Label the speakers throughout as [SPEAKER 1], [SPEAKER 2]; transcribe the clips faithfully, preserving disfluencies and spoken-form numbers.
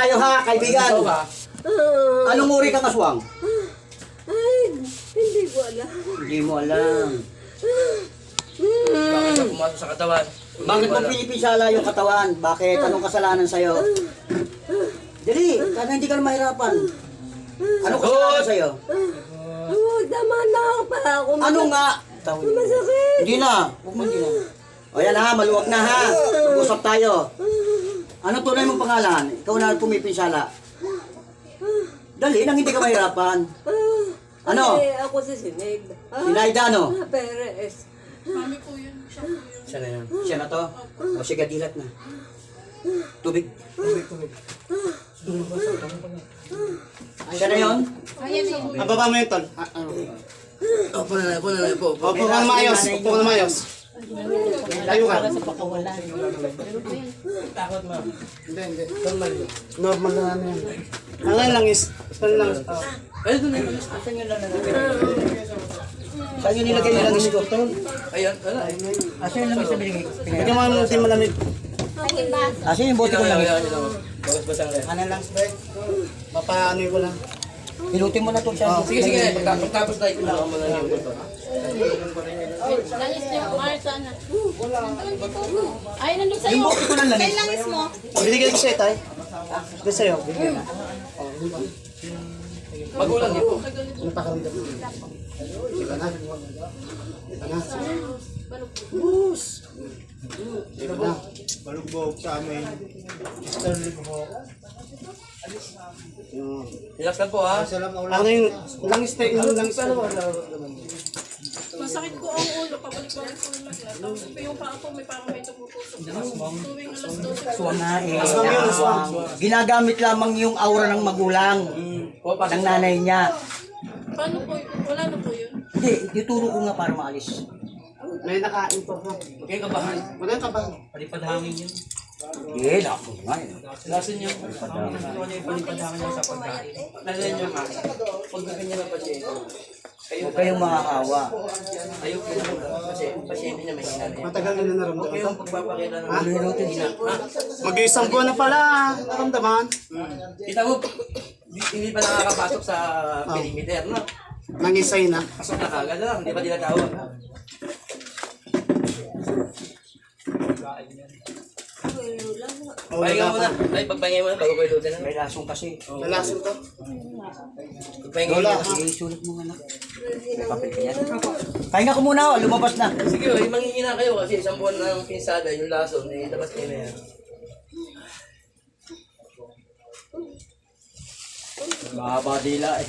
[SPEAKER 1] tayo ha, kaibigan. Anong uri kang aswang?
[SPEAKER 2] Ay, hindi ko alam.
[SPEAKER 1] Hindi mo alam.
[SPEAKER 3] Bakit ka pumasok sa katawan?
[SPEAKER 1] Bakit mo pinipinsala yung katawan? Bakit? Anong kasalanan sa'yo? Dali, sana hindi ka na mahirapan. Anong kasalanan sa'yo?
[SPEAKER 2] Oh, tama na ako pa ako.
[SPEAKER 1] Ano nga?
[SPEAKER 2] Masakit.
[SPEAKER 1] Hindi na. Huwag mo hindi na. O yan ha, maluwag na ha. Mag-usap tayo. Ano tunay mong pangalan? Ikaw na pumipinsala. Dali, nang hindi ka mahirapan. Ano?
[SPEAKER 2] Ay, ako si Sinead. Ah,
[SPEAKER 1] Sinaida, ano?
[SPEAKER 2] ah, Perez.
[SPEAKER 4] Mami po yun. Siya po yun.
[SPEAKER 3] Siya na yan.
[SPEAKER 1] Siya na to? O sige, dilat na. Tubig. Tubig, tubig. Siya na yun?
[SPEAKER 5] Ababa mo yung tol. Ah, ano?
[SPEAKER 3] Opo na lang, opo na lang, opo. opo.
[SPEAKER 5] Opo ka na maayos. Opo ka na maayos. Tayo ka.
[SPEAKER 3] Takot mo.
[SPEAKER 5] Hindi, hindi. Normal. Normal na ano yan. Ang lang lang is. Ano lang is.
[SPEAKER 3] Ay, doon na yung langis. Saan yung langis?
[SPEAKER 1] Saan yun nilagay yung langis ko?
[SPEAKER 3] Ayun, wala.
[SPEAKER 1] Asa yung langis na binigay?
[SPEAKER 5] Hindi mo ano di malamig.
[SPEAKER 1] Asa yung bote ko langis?
[SPEAKER 3] Bagas-basang lang.
[SPEAKER 5] Ano lang, Spek? Papaano ko lang.
[SPEAKER 1] Hilutin mo na to siya.
[SPEAKER 3] Sige, sige. Pagkatapos tayo, kailangan mo na yung buto.
[SPEAKER 4] Langis niyo, Marta na. Ay, nandun sa'yo.
[SPEAKER 1] Yung bote ko ng langis.
[SPEAKER 4] May langis mo.
[SPEAKER 5] Binigay ko sa'yo, tay. Hindi sa'yo. Binigay na.
[SPEAKER 3] Magulang niyo po.
[SPEAKER 5] Ano pa karamdam? Iba na. Iba na. Bus. Iba na.
[SPEAKER 6] Balugbog sa amin.
[SPEAKER 5] Yung...
[SPEAKER 3] Relax lang po ha.
[SPEAKER 5] Ano yung langis tayo? Yung langis ano?
[SPEAKER 4] Masakit ko ang ulo. Pabalik-balik ko lang. Tapos po yung paa ko, may parang may tumutusok. Tuwing alas dose.
[SPEAKER 1] Aswang nga eh.
[SPEAKER 5] Aswang yun, aswang.
[SPEAKER 1] Ginagamit lamang yung aura ng magulang.
[SPEAKER 3] Po, pasok
[SPEAKER 1] Ng nanay niya.
[SPEAKER 4] Paano po yun? Wala na po yun.
[SPEAKER 1] Hindi, ituturo ko nga para maalis.
[SPEAKER 5] May nakain po. ha?
[SPEAKER 3] Huwag kayong kabahan.
[SPEAKER 5] Wala yung kabahan.
[SPEAKER 3] Palipad hangin yun.
[SPEAKER 1] Eh, naku nga eh.
[SPEAKER 3] Lasin niyo. Ano yung palipad hangin niyo sa pagkain? Lasin niyo nga. Pag ganyan na pasyente. Kayo,
[SPEAKER 1] Huwag kayong makakawa.
[SPEAKER 3] ayaw po kasi yung pasyente niya may hinala yan.
[SPEAKER 5] Matagal na na
[SPEAKER 3] Huwag
[SPEAKER 5] naramdaman
[SPEAKER 3] kayong
[SPEAKER 5] to.
[SPEAKER 3] pagpapakita ng
[SPEAKER 1] Hilutin
[SPEAKER 3] hina. Ha?
[SPEAKER 5] Mag-iisang buwan na pala. Naramdaman.
[SPEAKER 3] Kita mo, hindi pa nakakapasok sa perimeter, no?
[SPEAKER 5] Nangisay na.
[SPEAKER 3] Pasok na kagad lang, hindi pa tinatawag.
[SPEAKER 5] Oh,
[SPEAKER 3] Pahinga
[SPEAKER 5] wala
[SPEAKER 3] muna.
[SPEAKER 5] pa.
[SPEAKER 3] Ay, pagpahinga muna bago kayo lutin na.
[SPEAKER 1] May lasong kasi.
[SPEAKER 5] Lalasin to.
[SPEAKER 3] Pagpahinga
[SPEAKER 5] Wala.
[SPEAKER 3] muna.
[SPEAKER 1] Sige, sulit mo nga na. May papel ka yan. Pahinga ko muna, oh. Lumabas na.
[SPEAKER 3] Sige, oh, manghihina kayo kasi isang buwan na ng pinsada, yung lason, eh, labas kayo na yan.
[SPEAKER 1] Mahaba dila eh.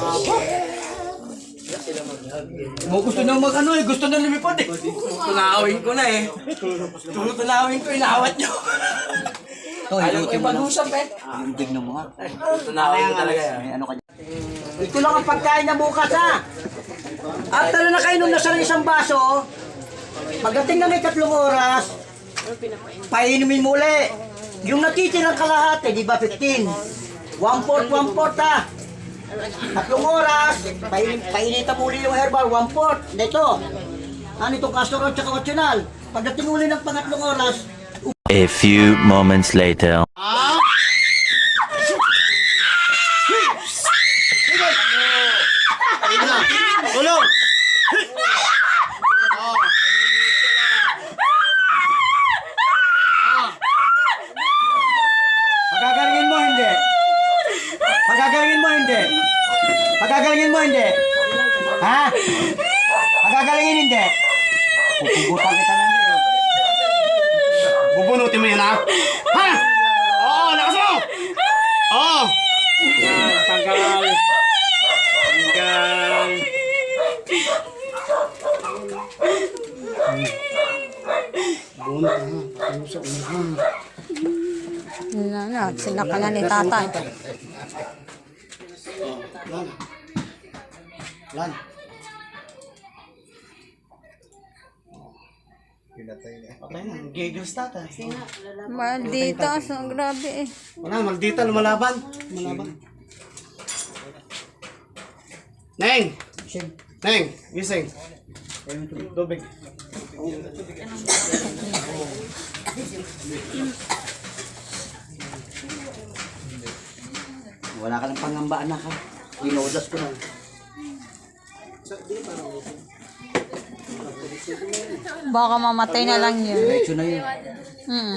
[SPEAKER 3] Iyak sila mag-hug.
[SPEAKER 1] Mo gusto nang mag ano eh, gusto nang lumipad eh.
[SPEAKER 3] Tunawin ko na eh. Tunawin ko, inawat nyo.
[SPEAKER 1] Oh,
[SPEAKER 3] Alam ko
[SPEAKER 1] hilutin
[SPEAKER 3] yung
[SPEAKER 1] mo na.
[SPEAKER 3] pag-usap eh.
[SPEAKER 1] Yung tignan mo nga.
[SPEAKER 3] Tunawin ko talaga yan.
[SPEAKER 1] May ano ka dyan. Ito lang ang pagkain na bukas ha. After na nakainom na siya ng isang baso, pagdating na may tatlong oras, painumin mo uli. Yung natitirang kalahati, di ba fifteen? One fourth, one fourth ha. Tatlong oras, pain painitan mo uli yung herbal, one fourth. Dito. Ano itong castor oil tsaka optional. Pagdating uli ng pangatlong oras,
[SPEAKER 7] A few moments later.
[SPEAKER 5] Ulo!
[SPEAKER 1] pagagalingin mo hindi. Pagagalingin mo hindi. Pagagalingin mo hindi. Ha? Pagagalingin hindi. Pupugutan kita na hindi.
[SPEAKER 5] Bubunutin mo yan, ha? Ha? Oo, lakas mo! Oo! Yan, tanggal. Tanggal. Bunot, ha? Pusok mo, ha?
[SPEAKER 8] Wala na, sila ka na ni tatay.
[SPEAKER 5] Lan. Lan. Patay na, giggles tata.
[SPEAKER 8] Maldita, so grabe eh.
[SPEAKER 5] Wala, maldita, lumalaban. Lumalaban. Neng! Neng, gising. Tubig.
[SPEAKER 1] Wala ka ng pangamba, anak ha. Dinodas ko na.
[SPEAKER 8] Baka mamatay na lang yun.
[SPEAKER 1] Diretso na yun.
[SPEAKER 8] Mm.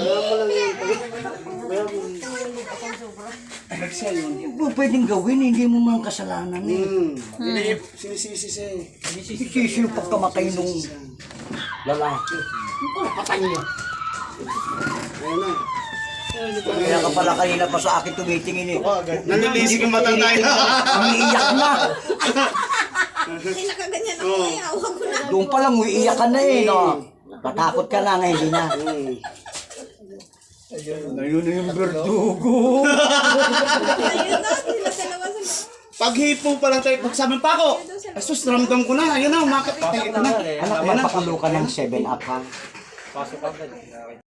[SPEAKER 1] Hindi mo pwedeng gawin, hindi mo man kasalanan eh.
[SPEAKER 5] Hindi, sinisisi siya eh.
[SPEAKER 1] Sisisi yung pagkamatay nung lalaki. Patay niya. Kaya ka pala kanina pa sa akin tumitingin eh.
[SPEAKER 5] Nalilisik yung mata tayo.
[SPEAKER 1] Umiiyak na.
[SPEAKER 4] Ay, nakaganyan ako eh. Awag ko na.
[SPEAKER 1] Doon pa lang umiiyak ka na eh, no? Matakot ka na, ngayon hindi na. Ayun na yung berdugo.
[SPEAKER 4] Ayun na, sila dalawa sa...
[SPEAKER 5] Paghipo pa lang tayo, pagsabi pa ako. Asus, ramdam ko na. Ayun na, umakit. Ito na.
[SPEAKER 1] Anak, magpakulo ka ng seven up ha.